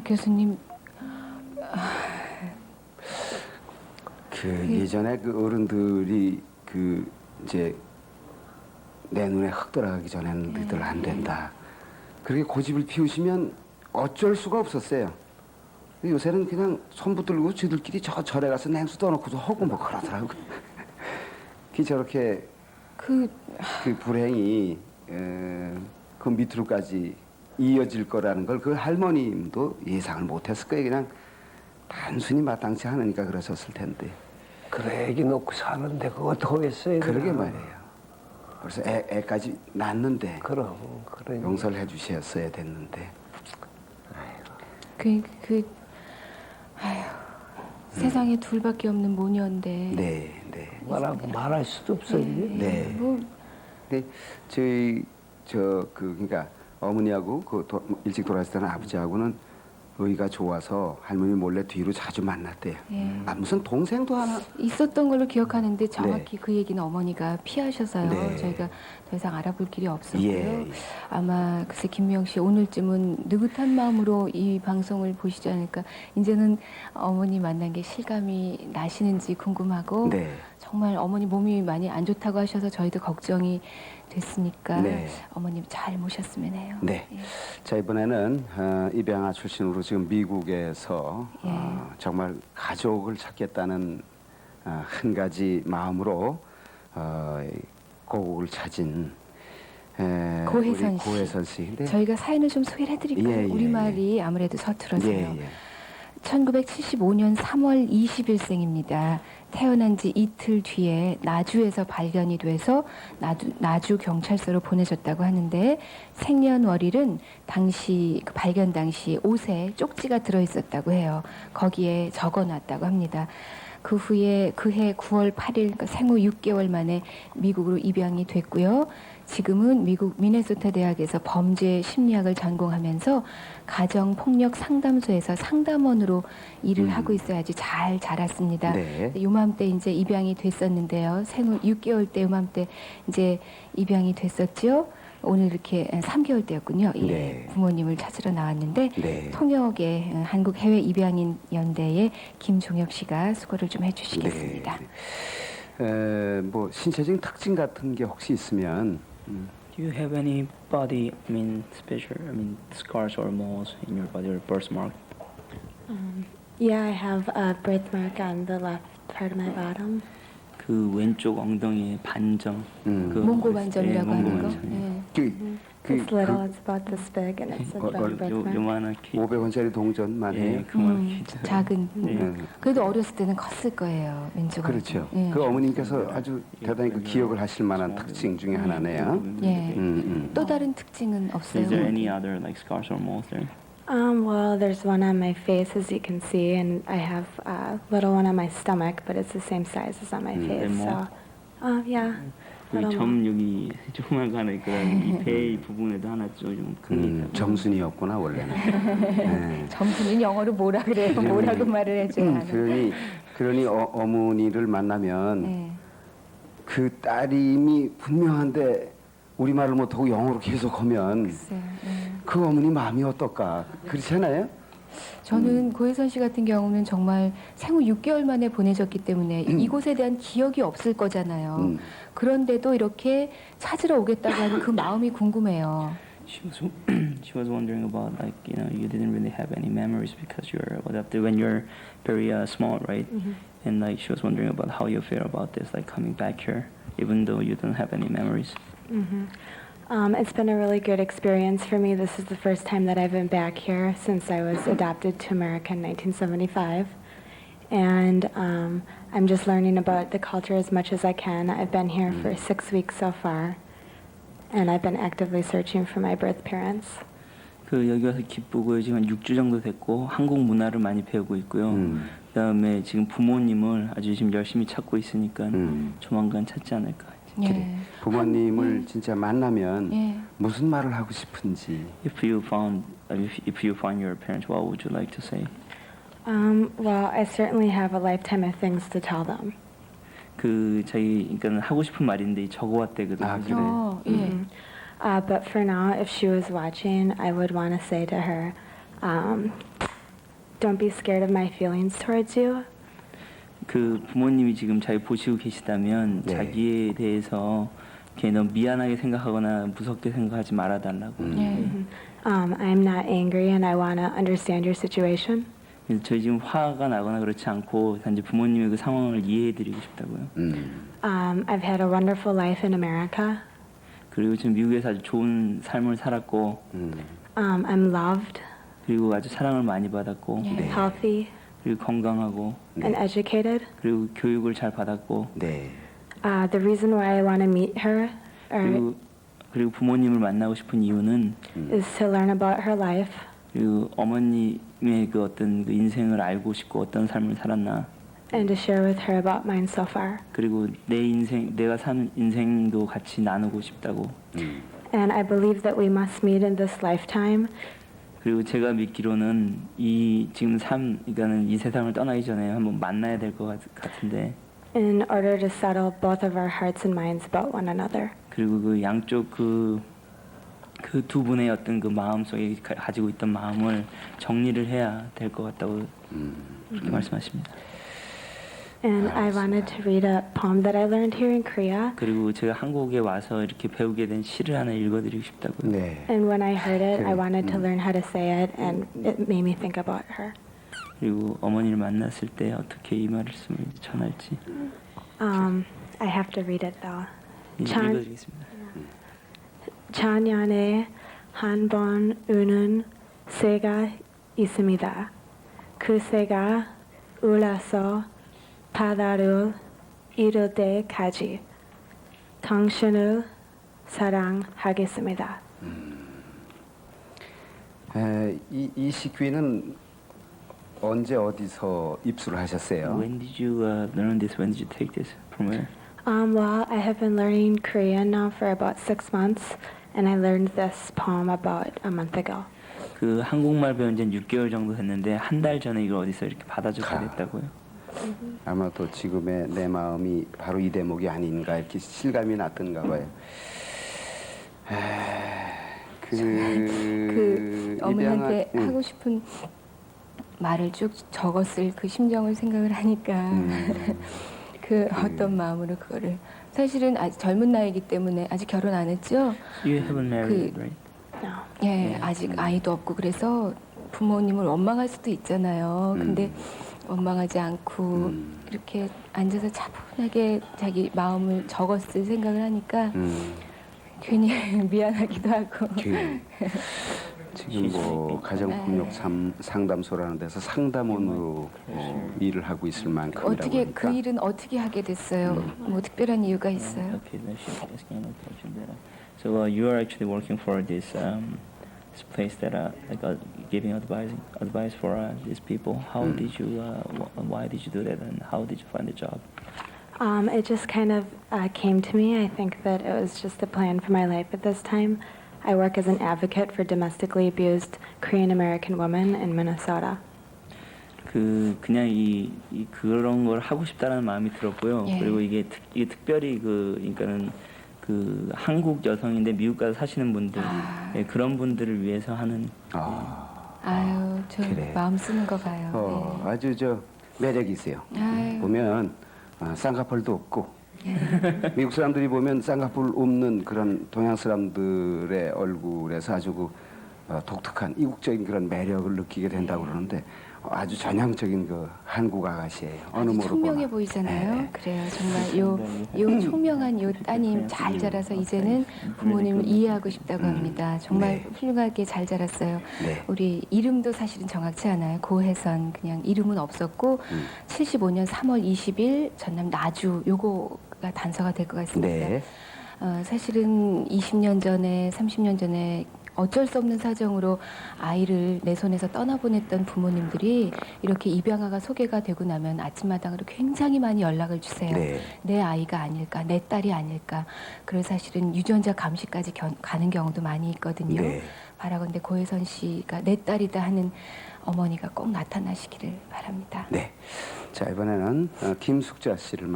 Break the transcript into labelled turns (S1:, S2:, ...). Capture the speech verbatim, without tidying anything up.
S1: 교수님,
S2: 그 예전에 그 어른들이 그 이제 내 눈에 흙 들어가기 전에는 너희들 안 된다. 그렇게 고집을 피우시면 어쩔 수가 없었어요. 근데 요새는 그냥 손 붙들고 쥐들끼리 저 절에 가서 냉수 떠놓고도 하고 뭐 그러더라고. 그 저렇게
S1: 그
S2: 그 불행이 에, 그 밑으로까지 이어질 거라는 걸 그 할머님도 예상을 못했을 거예요. 그냥 단순히 마땅치 않으니까 그러셨을 텐데.
S3: 그래 애기 놓고 사는데 그거 어떻게 했어요?
S2: 그러게 말이에요. 벌써 애, 애까지 낳는데
S3: 그럼 그래.
S2: 용서를 해주셨어야 됐는데.
S1: 그, 그, 아휴, 세상에 둘밖에 없는 모녀인데.
S2: 네, 네,
S3: 말하고 말할 수도 없어 이게.
S2: 네.
S1: 뭐,
S2: 근데 저희 저 그 그러니까 어머니하고 그 도, 일찍 돌아가실 때는 아버지하고는 의가 좋아서 할머니 몰래 뒤로 자주 만났대요.
S1: 예.
S2: 아 무슨 동생도 하나.
S1: 있었던 걸로 기억하는데 정확히 그 얘기는 어머니가 피하셔서요.
S2: 네.
S1: 저희가 더 이상 알아볼 길이 없었고요.
S2: 예.
S1: 아마 글쎄 김미영 씨 오늘쯤은 느긋한 마음으로 이 방송을 보시지 않을까. 이제는 어머니 만난 게 실감이 나시는지 궁금하고
S2: 네.
S1: 정말 어머니 몸이 많이 안 좋다고 하셔서 저희도 걱정이 됐으니까
S2: 네.
S1: 어머님 잘 모셨으면 해요.
S2: 네.
S1: 예.
S2: 자 이번에는 어, 입양아 출신으로 지금 미국에서
S1: 예.
S2: 어, 정말 가족을 찾겠다는 어, 한 가지 마음으로 어, 이 고국을 찾은 에,
S1: 고혜선
S2: 우리
S1: 씨.
S2: 고혜선 씨. 근데
S1: 저희가 사연을 좀 소개를 해드릴까요?
S2: 예, 예,
S1: 우리말이 아무래도 서툴어서요.
S2: 예, 예.
S1: 천구백칠십오 년 삼월 이십일 생입니다. 태어난 지 이틀 뒤에 나주에서 발견이 돼서 나주, 나주 경찰서로 보내졌다고 하는데 생년월일은 당시 그 발견 당시 옷에 쪽지가 들어있었다고 해요. 거기에 적어놨다고 합니다. 그 후에 그해 구월 팔일 그러니까 생후 육 개월 만에 미국으로 입양이 됐고요. 지금은 미국 미네소타 대학에서 범죄 심리학을 전공하면서 가정폭력 상담소에서 상담원으로 일을
S2: 음.
S1: 하고 있어야지 잘 자랐습니다.
S2: 네.
S1: 요맘때 이제 입양이 됐었는데요. 생후 육 개월 때 요맘때 이제 입양이 됐었죠. 오늘 이렇게 삼 개월 때였군요. 예,
S2: 네.
S1: 부모님을 찾으러 나왔는데
S2: 네.
S1: 통역의 한국 해외 입양인 연대의 김종혁 씨가 수고를 좀 해주시겠습니다.
S2: 네. 에, 뭐 신체적인 특징 같은 게 혹시 있으면 음,
S4: Do you have any body, I mean, special, I mean, scars or moles in your body or birthmark?
S5: Um, yeah, I have a birthmark on the left part of my bottom.
S4: 그 왼쪽 엉덩이에 반점.
S2: 음.
S4: 그
S1: 몽고 반점이라고
S4: 예,
S1: 하는
S4: 몽고
S1: 거.
S4: 반점.
S1: 예.
S2: 그, 그,
S5: It's little,
S2: 그
S5: it's about this big, and it's a
S2: 어, 어,
S5: big
S4: 요,
S5: birthmark.
S4: 요만하게.
S2: 오백 원짜리 동전만 해요.
S4: 예, 그만하게.
S1: 음, 작은.
S4: 예.
S2: 음.
S1: 그래도 어렸을 때는 컸을 거예요. 왼쪽은.
S2: 그렇죠.
S1: 예.
S2: 그 어머님께서 아주 대단히 그 기억을 하실 만한 특징 중에 하나네요.
S1: 예.
S2: 음, 음.
S1: 또 다른 특징은 없어요.
S4: Is there any other like scars or moles there?
S5: Um, well, there's one on my face, as you can see, and I have a little one on my stomach, but it's the same size as on my
S2: Mm.
S5: face.
S4: And
S5: So,
S4: more?
S5: uh, yeah.
S4: 여기
S5: little
S4: 점 여기 조그만한 그런 이배 부분에도 하나 좀 큰 게
S2: 음,
S4: 있다고.
S2: 점순이었구나 원래는. 네.
S1: 점수는 영어로 뭐라 그래요? 뭐라고 말을 해줘야
S2: 음,
S1: 하나.
S2: 그러니 그러니 어, 어머니를 만나면
S1: 네.
S2: 그 따님이 분명한데 우리 말을 못하고 영어로 계속하면
S1: 글쎄요. 예.
S2: 그 어머니 마음이 어떨까? 그렇지 않아요?
S1: 저는 고혜선 씨 같은 경우는 정말 생후 육 개월 만에 보내졌기 때문에 이곳에 대한 기억이 없을 거잖아요.
S2: 음.
S1: 그런데도 이렇게 찾으러 오겠다고 하는 그 마음이 궁금해요.
S4: She was she was wondering about like you know you didn't really have any memories because you're adopted when you're very uh, small, right? And like she was wondering about how you feel about this, like coming back here, even though you don't have any memories.
S5: hmm Um, it's been a really good experience for me. This is the first time that I've been back here since I was adopted to America in nineteen seventy-five. And um, I'm just learning about the culture as much as I can. I've been here for six weeks so far. And I've been actively searching for my birth parents.
S4: 그 여기 와서 기쁘고 지금 한 육 주 정도 됐고 한국 문화를 많이 배우고 있고요.
S2: 음.
S4: 그다음에 지금 부모님을 아주 지금 열심히 찾고 있으니까
S2: 음.
S4: 조만간 찾지 않을까.
S1: 예.
S2: 그래. 부모님을 진짜 만나면
S1: 예.
S2: 무슨 말을 하고 싶은지.
S4: If you found if, if you find your parents, what would you like to say?
S5: Um, well, I certainly have a lifetime of things to tell them.
S4: 그 저희 그러니까 하고 싶은 말인데 적어왔대거든요.
S2: 아, 그래.
S1: 어, 예.
S5: Mhm. Uh, but for now, if she was watching, I would want to say to her, um, don't be scared of my feelings towards you.
S4: 그 부모님이 지금 잘 보시고 계시다면
S2: 네.
S4: 자기에 대해서 이렇게 너무 미안하게 생각하거나 무섭게 생각하지 말아달라고.
S2: 음.
S1: 네.
S5: Um, I'm not angry and I want to understand your situation.
S4: 그래서 저희 지금 화가 나거나 그렇지 않고 단지 부모님의 그 상황을 이해해드리고 싶다고요.
S2: 음.
S5: Um, I've had a wonderful life in America.
S4: 그리고 지금 미국에서 아주 좋은 삶을 살았고
S2: 음.
S5: Um, I'm loved,
S4: 그리고 아주 사랑을 많이 받았고
S1: 네.
S5: healthy,
S4: 그리고 건강하고
S5: and educated.
S4: 그리고 교육을 잘 받았고
S2: 네.
S5: Uh, the reason why I want to meet her or
S4: 그리고 그리고 부모님을 만나고 싶은 이유는
S5: is to learn about her life
S4: 그리고 어머님의 그 어떤 그 인생을 알고 싶고 어떤 삶을 살았나
S5: and to share with her about mine so far.
S4: 그리고 내 인생 내가 사는 인생도 같이 나누고 싶다고
S2: 음.
S5: And I believe that we must meet in this lifetime
S4: 그리고 제가 믿기로는 이 지금 삶 그러니까는 이 세상을 떠나기 전에 한번 만나야 될 것 같은데
S5: in order to settle both of our hearts and minds about one another.
S4: 그리고 그 양쪽 그 그 두 분의 어떤 그 마음 속에 가- 가지고 있던 마음을 정리를 해야 될 것 같다고
S2: 음.
S4: 그렇게 말씀하십니다.
S5: And I wanted to read a poem that I learned here in Korea.
S4: 그리고 제가 한국에 와서 이렇게 배우게 된 시를 하나 읽어드리고 싶다고요.
S2: 네.
S5: And when I heard it, I
S2: Okay.
S5: wanted to
S2: Mm.
S5: learn how to say it, and it made me think about her.
S4: 그리고 어머니를 만났을 때 어떻게 이 말씀을 전할지
S5: Um, I have to read it though.
S4: 이제
S5: 참-
S4: 읽어드리겠습니다.
S5: 작년에 한 번 우는 새가 있습니다. 그 새가 울어서 바다를 이룰 때까지 당신을 사랑하겠습니다.
S2: 에, 이, 이 식귀는 언제 어디서 입수를 하셨어요?
S4: When did you uh, learn this? When did you take this? From where?
S5: Um, well, I have been learning Korean now for about six months, and I learned this poem about a month ago.
S4: 그 한국말 배운 지는 육 개월 정도 됐는데 한 달 전에 이걸 어디서 이렇게 받아주게
S2: 가.
S4: 됐다고요.
S2: 아마도 지금의 내 마음이 바로 이 대목이 아닌가 이렇게 실감이 났던가 봐요. 에, 그,
S1: 그 어머니한테
S2: 입양한- 응.
S1: 하고 싶은 말을 쭉 적었을 그 심정을 생각을 하니까
S2: 음.
S1: 그 어떤 마음으로 그거를 사실은 아직 젊은 나이기 때문에 아직 결혼 안 했죠.
S4: You haven't married,
S1: 그-
S4: right?
S5: No.
S1: 예, 아직 아이도 없고 그래서 부모님을 원망할 수도 있잖아요. 근데 원망하지 않고
S2: 음.
S1: 이렇게 앉아서 차분하게 자기 마음을 적었을 생각을 하니까
S2: 음,
S1: 괜히 미안하기도 하고.
S2: 그, 지금 뭐 가정폭력 삼- 상담소라는 데서 상담원으로 어, 일을 하고 있을 만큼이라고
S1: 어떻게
S2: 하니까
S1: 그 일은 어떻게 하게 됐어요? 뭐 특별한 이유가 있어요?
S4: Okay, then she's asking another question there. So uh, you are actually working for this um, this place that uh, like uh, giving advice advice for uh, these people. How
S2: Mm.
S4: did you uh, wh- why did you do that and how did you find the job?
S5: Um, it just kind of uh, came to me. I think that it was just a plan for my life at this time. I work as an advocate for domestically abused Korean American women in Minnesota.
S4: 그 그냥 이, 이 그런 걸 하고 싶다라는 마음이 들었고요.
S1: 예.
S4: 그리고 이게 특, 이게 특별히 그 그러니까는 그 한국 여성인데 미국 가서 사시는 분들
S1: 아.
S4: 예, 그런 분들을 위해서 하는
S2: 아,
S1: 아유, 저
S2: 그래.
S1: 마음 쓰는 거 봐요.
S2: 어,
S1: 네.
S2: 아주 저 매력이 있어요.
S1: 아유.
S2: 보면 어, 쌍꺼풀도 없고 미국 사람들이 보면 쌍꺼풀 없는 그런 동양 사람들의 얼굴에서 아주 그 어, 독특한 이국적인 그런 매력을 느끼게 된다고 그러는데 아주 전형적인 그 한국 아가씨예요. 어느
S1: 아주
S2: 모로
S1: 총명해
S2: 보나.
S1: 보이잖아요.
S2: 네.
S1: 그래요. 정말 요, 요 총명한 요 따님 잘 자라서 이제는 부모님을 이해하고 싶다고 합니다. 정말
S2: 네.
S1: 훌륭하게 잘 자랐어요.
S2: 네.
S1: 우리 이름도 사실은 정확치 않아요. 고혜선 그냥 이름은 없었고
S2: 음.
S1: 칠십오 년 삼월 이십일 전남 나주 요거가 단서가 될 것 같습니다.
S2: 네.
S1: 어, 사실은 이십 년 전에 삼십 년 전에 어쩔 수 없는 사정으로 아이를 내 손에서 떠나보냈던 부모님들이 이렇게 입양아가 소개가 되고 나면 아침마당으로 굉장히 많이 연락을 주세요.
S2: 네.
S1: 내 아이가 아닐까, 내 딸이 아닐까. 그래서 사실은 유전자 감시까지 견- 가는 경우도 많이 있거든요.
S2: 네.
S1: 바라건대 고혜선 씨가 내 딸이다 하는 어머니가 꼭 나타나시기를 바랍니다.
S2: 네. 자, 이번에는 어, 김숙자 씨를